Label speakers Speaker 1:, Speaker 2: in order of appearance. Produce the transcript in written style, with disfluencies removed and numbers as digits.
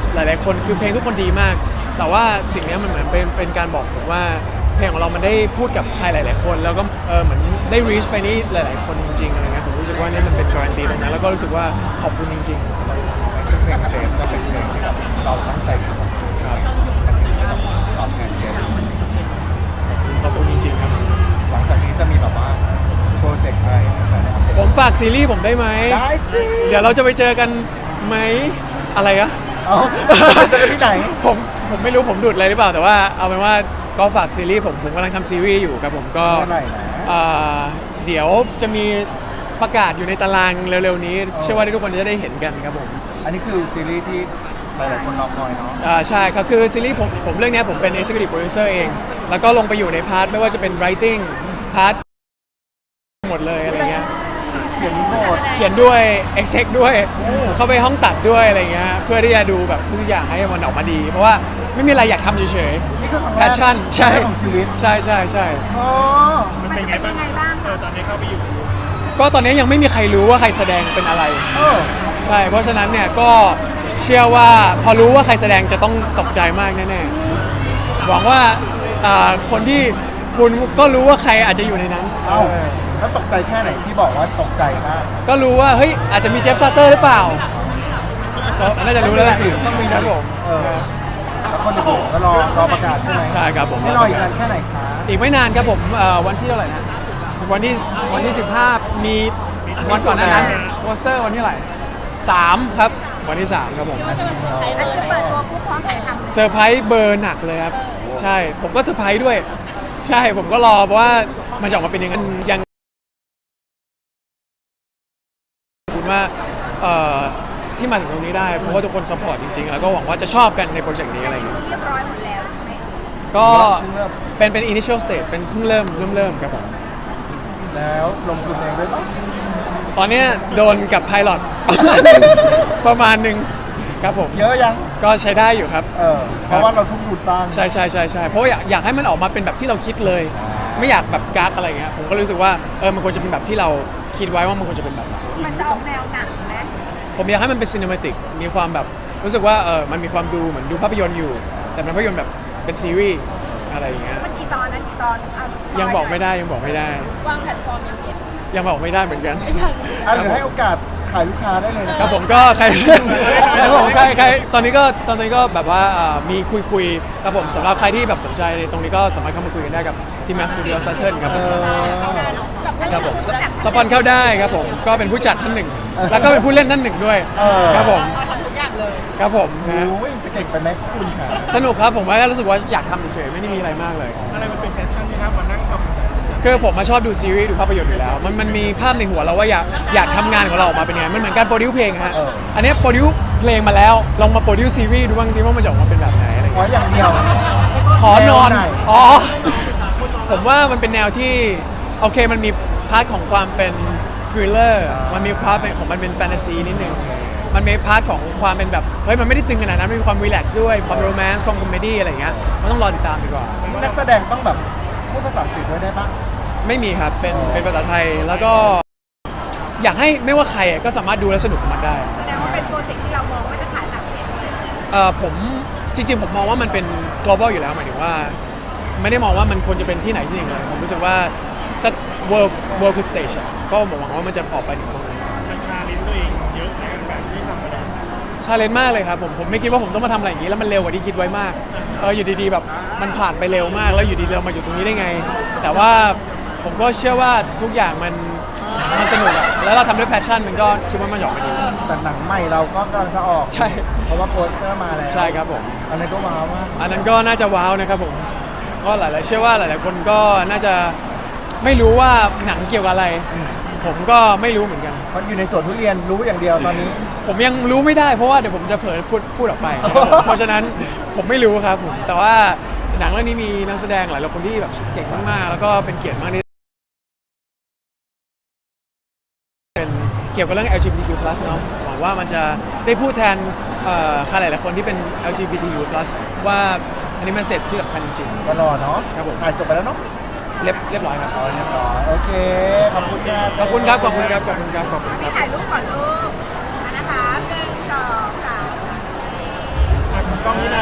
Speaker 1: หลายๆคนคือเพลงทุกคนดีมากแต่ว่าสิ่งนี้มันเหมือนเป็นการบอกผมว่าเพลงของเรามันได้พูดกับใครหลายๆคนแล้วก็เหมือนได้ reach ไปนี่หลายๆคนจริงๆอะไรเงี้ยผมรู้สึกว่านี่มันเป็นการันตีตรงนั้นแล้วก็รู้สึกว่าขอบคุณจริงๆสำหรับ
Speaker 2: ซึ่งเพลงเซฟก็เป็นเพลงที่แบบเราตั้งใจทำ
Speaker 1: ครับ
Speaker 2: ตอบแทนเซฟ
Speaker 1: ขอบคุณจริงๆครับ
Speaker 2: หลังจากนี้จะมีแบบว่าโปรเจกต์อะไรนะครับ
Speaker 1: ผมฝากซีรีส์ผมได้ไหม
Speaker 2: ได้สิ
Speaker 1: เดี๋ยวเราจะไปเจอกันไหมอะไรอะ
Speaker 2: เอาเจอกันที่ไหน
Speaker 1: ผมไม่รู้ผมดูดอะไรหรือเปล่าแต่ว่าเอาเป็นว่าก็ฝากซีรีส์ผมกำลังทำซีรีส์อยู่ครับผมก็เดี๋ยวจะมีประกาศอยู่ในตารางเร็วๆนี้เชื่อว่าทุกคนจะได้เห็นกันครับผม
Speaker 2: อันนี้คือซีรีส์ที่หลายๆคนรอคอยเนาะ
Speaker 1: ใช่ครับคือซีรีส์ผมเรื่องนี้ผมเป็น Executive Producer เองแล้วก็ลงไปอยู่ในพาร์ทไม่ว่าจะเป็น Writing พาร์ทหมดเลยอะไรเงี้ยเขียนด้วย exec ด้วยเข้าไปห้องตัดด้วยอะไรเงี้ยเพื่อที่จะดูแบบทุกอย่างให้มันออกมาดีเพราะว่าไม่มีอะไรอยากทำเฉยๆ passion ใช่ใช่ใช่ใช่
Speaker 3: มันเป็นไงบ้างตอนนี้เข้าไปอยู่
Speaker 1: ก็ตอนนี้ยังไม่มีใครรู้ว่าใครแสดงเป็นอะไรใช่เพราะฉะนั้นเนี่ยก็เชื่อว่าพอรู้ว่าใครแสดงจะต้องตกใจมากแน่ๆหวังว่าคนที่คุณก็รู้ว่าใครอาจจะอยู่ในนั้น
Speaker 2: แล้วตกใจแค่ไหนที่บอกว่าตกใจมาก
Speaker 1: ก็รู้ว่าเฮ้ยอาจจะมีเจฟซาเตอร์หรือเปล่าก็น่าจะรู้แล้วแหละ
Speaker 2: ต้องมี
Speaker 1: ครับผม
Speaker 2: แล้วคนอื่นก็รอประกาศใช่ไหม
Speaker 1: ใช่ครับผม
Speaker 2: ไม่รออีกนานแค่ไหนคะ
Speaker 1: อีกไม่นานครับผมวันที่เท่าไหร่นะวันที่15มีวันก่อนนั้นโปสเตอร์วันที่เท่าไหร่3ครับวันที่3ครับผม
Speaker 3: อันนี้เปิดตัวผู้พร้อมถ่ายทำ
Speaker 1: เซอร์ไพรส์เบอร์หนักเลยครับใช่ผมก็เซอร์ไพรส์ด้วยใช่ผมก็รอเพราะว่ามันจะออกมาเป็นยังไงยังคุณว่าที่มาถึงตรงนี้ได้เพราะว่าทุกคนซัพพอร์ตจริงๆแล้วก็หวังว่าจะชอบกันในโปรเจกต์นี้อะไรอย่างเงี้ย
Speaker 3: เรียบร้อยหมดแล้วใช่ไหม
Speaker 1: ก็เป็น initial stage เป็นเพิ่งเริ่มครับผม
Speaker 2: แล้วลงทุนเองด้วยปะ
Speaker 1: ตอนนี้โดนกับไพลอตประมาณหนึ่งครับผม
Speaker 2: เยอะยัง
Speaker 1: ก็ใช้ได้อยู่ครับ
Speaker 2: เพราะว่าเราทุ่มทุนสร้าง
Speaker 1: ใช่เพราะว่าอยากให้มันออกมาเป็นแบบที่เราคิดเลยไม่อยากแบบกักอะไรเงี้ยผมก็รู้สึกว่ามันควรจะเป็นแบบที่เราคิดไว้ว่ามันควรจะเป็นแบบ
Speaker 3: มันจะออกแนวหนังไหม
Speaker 1: ผมอยากให้มันเป็นซีนิมาติกมีความแบบรู้สึกว่ามันมีความดูเหมือนดูภาพยนตร์อยู่แต่เป็นภาพยนตร์แบบเป็นซีรีส์อะไรอย่างเงี้ย
Speaker 3: มันกี่ตอนนะกี่ตอน
Speaker 1: ยังบอกไม่ได้
Speaker 3: วางแพลตฟอร์ม
Speaker 1: ยังบอกไม่ได้เหมือนกัน
Speaker 2: หรือให้โอกาสขายลูกค้าได้เลย
Speaker 1: นะครับผมก็ใครตอนนี้ก็แบบว่ามีคุยครับผมสำหรับใครที่แบบสนใจในตรงนี้ก็สามารถเข้ามาคุยกันได้กับทีมงานสตูดิโอซัตเทิลครับผมสปอนเข้าได้ครับผมก็เป็นผู้จัดท่านหนึ่งแล้วก็เป็นผู้เล่นท่านหนึ่งด้วยครับผม
Speaker 3: ทำทุกอย่างเลย
Speaker 1: ครับผม
Speaker 2: จะเก่งไปไหมคุณค่ะ
Speaker 1: สนุกครับผมว่ารู้สึกว่าอยากทำเฉยๆไม่ได้มีอะไรมากเลย
Speaker 3: อะไรมันเป็นแพชชั่นที่น่ามานั่งทำ
Speaker 1: คือผมมาชอบดูซีรีส์ดูภาพยนตร์อยู่แล้วมันมีภาพในหัวเราว่าอยากทำงานของเราออกมาเป็นยังไงมันเหมือนการโปรดิวเพลงฮะอันนี้โปรดิวเพลงมาแล้วลองมาโปรดิวซีรีส์ดูบ้างทีว่ามันจะออกมาเป็นแบบไหนอะไร
Speaker 2: อย่างเดียว
Speaker 1: ขอนอนผมว่ามันเป็นแนวที่โอเคมันมีพาร์ทของความเป็นทริลเลอร์มันมีพาร์ทของมันเป็นแฟนตาซีนิดนึงมันมีพาร์ทของความเป็นแบบเฮ้ยมันไม่ได้ตึงขนาดนั้นมันมีความรีแลกซ์ด้วยความโรแมนต์ความคอมเมดี้อะไรอย่างเงี้ยมันต้องรอติดตามดีกว่า
Speaker 2: นักแสดงต้องแบบพูดภาษาอังกฤษด้วยได้ปะ
Speaker 1: ไม่มีครับเป็นภาษาไทยแล้วก็อยากให้ไม่ว่าใครก็สามารถดูและสนุกกับมันได้
Speaker 3: แสดงว่าเป็นโปรเจกต์ที่เรามองว่าจะขายต่างประเทศ
Speaker 1: ผมจริงๆผมมองว่ามันเป็น global อยู่แล้วหมายถึงว่าไม่ได้มองว่ามันควรจะเป็นที่ไหนที่หนึ่งเลยผมรู้สึกว่า world stage ก็หวังว่ามันจะออกไปถึงตรงนั้น
Speaker 3: มันชาเลนจ์ตัวเองเยอะในการที่ทำอะไร
Speaker 1: ชาเลนจ์มากเลยครับผมไม่คิดว่าผมต้องมาทำอะไรอย่างนี้แล้วมันเร็วกว่าที่คิดไว้มากอยู่ดีๆแบบมันผ่านไปเร็วมากแล้วอยู่ดีเรามาอยู่ตรงนี้ได้ไงแต่ว่าผมก็เชื่อว่าทุกอย่างมันสนุกอะแล้วเราทำด้วยแพชชั่นมันก็คิดว่ามันหยอกมาดี
Speaker 2: แต่หนังใหม่เราก็กำลังจะออก
Speaker 1: ใช่
Speaker 2: เพราะว่าโปสเตอร์มาแล้ว
Speaker 1: ใช่ครับผม
Speaker 2: อันนั้นก็ว้าวมาก
Speaker 1: อันนั้นก็น่าจะว้าวนะครับผมก็หลายๆเชื่อว่าหลายๆคนก็น่าจะไม่รู้ว่าหนังเกี่ยวกับอะไรผมก็ไม่รู้เหมือนกัน
Speaker 2: เพราะอยู่ในสวนทุเรียนรู้อย่างเดียวตอนนี้
Speaker 1: ผมยังรู้ไม่ได้เพราะว่าเดี๋ยวผมจะเผลอพูดออกไปเพราะฉะนั้นผมไม่รู้ครับผมแต่ว่าหนังเรื่องนี้มีนักแสดงหลายคนที่แบบเก่งมากๆแล้วก็เป็นเกียรติมากที่เป็นเกี่ยวกับเรื่อง LGBTQ+ เนาะหวังว่ามันจะได้พูดแทนใครหลายๆคนที่เป็น LGBTQ+ ว่าอันนี้มันเสร็จที่สำคัญจริง
Speaker 2: ๆก็รอเนาะ
Speaker 1: ครับผม
Speaker 2: ถ่ายจบไปแล้วเนาะ
Speaker 1: เรียบร้อยครับ
Speaker 2: เรียบร้อยโอเคขอบคุณครับ
Speaker 1: ขอบคุณครับ
Speaker 3: พี่ถ่ายรูปก่อนลูกนะคะ1 2 3
Speaker 2: กล้องนี่นะ